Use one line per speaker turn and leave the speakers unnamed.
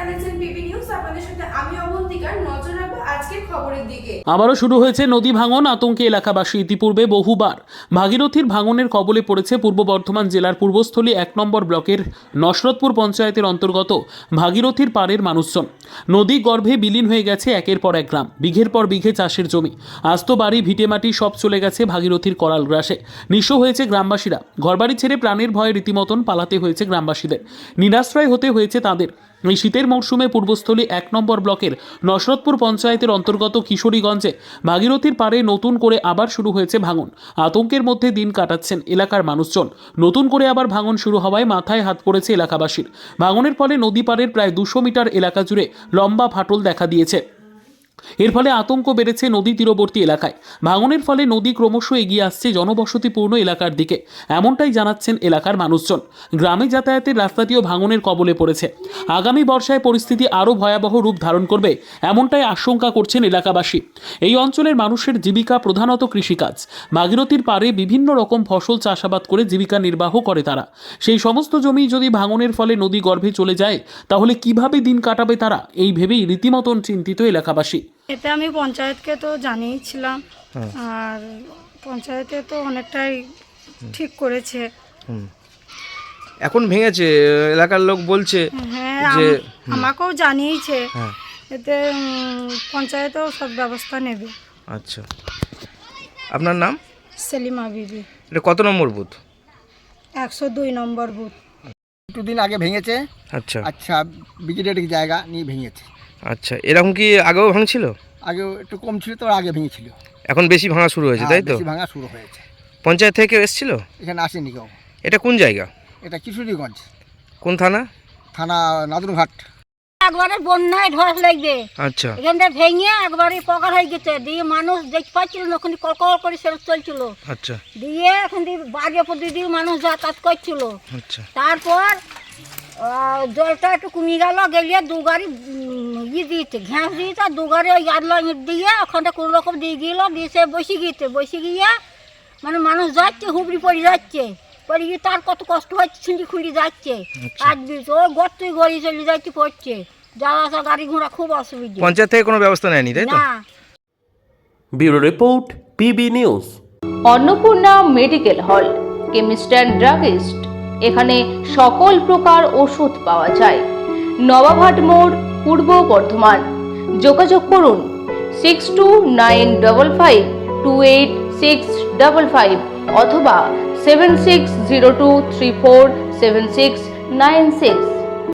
দেখছেন PB news. আপনাদের সাথে আমি অবন্তিকার। নজর রাখবো আজকের খবরের দিকে।
আবারও শুরু হয়েছে নদী ভাঙন আতঙ্কে এলাকাবাসী। ইতিপূর্বে বহুবার ভাগীরথীর ভাঙনের কবলে পড়েছে পূর্ব বর্ধমান জেলার পূর্বস্থলী 1 নম্বর ব্লকের নসরতপুর পঞ্চায়েতের অন্তর্গত ভাগীরথীর পাড়ের মানুষজন। নদী গর্ভে বিলীন হয়ে গেছে একের পর এক গ্রাম, বিঘের পর বিঘে চাষের জমি, আস্ত বাড়ি ভিটেমাটি সব চলে গেছে ভাগীরথীর করাল গ্রাসে। নিঃস্ব হয়েছে গ্রামবাসীরা। ঘরবাড়ি ছেড়ে প্রাণের ভয়ে রীতিমতন পালাতে হয়েছে গ্রামবাসীদের। নিরাশ্রয় হতে হয়েছে তাদের। এই শীতের মরশুমে পূর্বস্থলী 1 নম্বর ব্লকের নসরতপুর পঞ্চায়েতের অন্তর্গত কিশোরীগঞ্জে ভাগীরথীর পাড়ে নতুন করে আবার শুরু হয়েছে ভাঙন। আতঙ্কের মধ্যে দিন কাটাচ্ছেন এলাকার মানুষজন। নতুন করে আবার ভাঙন শুরু হওয়ায় মাথায় হাত পড়েছে এলাকাবাসীর। ভাঙনের ফলে নদী পাড়ের প্রায় 200 মিটার এলাকা জুড়ে লম্বা ফাটল দেখা দিয়েছে। এর ফলে আতঙ্ক বেড়েছে নদী তীরবর্তী এলাকায়। ভাঙনের ফলে নদী ক্রমশ এগিয়ে আসছে জনবসতিপূর্ণ এলাকার দিকে, এমনটাই জানাচ্ছেন এলাকার মানুষজন। গ্রামে যাতায়াতের রাস্তাটিও ভাঙনের কবলে পড়েছে। আগামী বর্ষায় পরিস্থিতি আরও ভয়াবহ রূপ ধারণ করবে, এমনটাই আশঙ্কা করছেন এলাকাবাসী। এই অঞ্চলের মানুষের জীবিকা প্রধানত কৃষিকাজ। ভাগীরথীর পাড়ে বিভিন্ন রকম ফসল চাষাবাদ করে জীবিকা নির্বাহ করে তারা। সেই সমস্ত জমি যদি ভাঙনের ফলে নদী গর্ভে চলে যায়, তাহলে কিভাবে দিন কাটাবে তারা, এই ভেবেই রীতিমতন চিন্তিত এলাকাবাসী।
এতে আমি পঞ্চায়েতকে তো জানিয়েছিলাম, আর পঞ্চায়েতে তো অনেকটাই ঠিক করেছে।
এখন ভেঙেছে এলাকার লোক বলছে
হ্যাঁ,
যে
আমাকেও জানিয়েছে।
হ্যাঁ,
এতে পঞ্চায়েতেও সব ব্যবস্থা নেবে।
আচ্ছা, আপনার নাম?
সেলিমা বিবি,
এটা কত নম্বর বুথ?
102 নম্বর বুথ।
একটু দিন আগে ভেঙেছে।
আচ্ছা
আচ্ছা, বিজেডির জায়গা নিয়ে ভেঙেছে।
আচ্ছা, এরকম কি আগেও ভাঙছিল?
আগে একটু কম ছিল, তো আগে ভেঙেছিল।
এখন বেশি ভাঙা শুরু হয়েছে, তাই তো?
বেশি ভাঙা শুরু হয়েছে।
পঞ্চায়েত থেকে এসেছিল?
এখানে আসেনি কেউ।
এটা কোন জায়গা?
এটা কিশোরীগঞ্জ
কোন থানা?
থানা নাদুরঘাট।
একবারে বন্যায় ধস লাগবে।
আচ্ছা
এখানটা ভেঙে একবারে পকার হয়ে গেছে, দিয়ে মানুষ দেখতে পাচ্ছিল না, ওখানে কলকল করে সেরক চলছিল।
আচ্ছা
দিয়ে এখন বাড়ির উপর দিয়ে মানুষ যাতায়াত করছিল।
আচ্ছা
তারপর জলটা একটু কমে গেল, গেলিয়ে 2 গাড়ি দিয়েছে, ঘ্যাঁস দিয়েছে, 2 গাড়ি ওই আদলা ইট দিয়ে ওখানটা কোনো রকম দিয়ে গেল, দিয়ে সে বসে গিয়ে মানে মানুষ যাচ্ছে, হুবড়ি পড়ে যাচ্ছে, পড়ে গিয়ে তার কত কষ্ট হচ্ছে, ছিঁড়ি খুঁড়ি যাচ্ছে। আর দিয়েছে ও গর্তই গড়ি চলে যাচ্ছে, পড়ছে, যাওয়া আসা গাড়ি ঘোড়া খুব অসুবিধা।
পঞ্চায়েত থেকে কোনো ব্যবস্থা নেয়নি, তাই তো?
না।
Bureau report, PB news.
Annapurna medical hall, chemist and druggist. এখানে সকল প্রকার ওষুধ পাওয়া যায়। নবাবহাট মোড়, পূর্ব বর্ধমান। যোগাযোগ করুন 6295528655 অথবা 7602347696।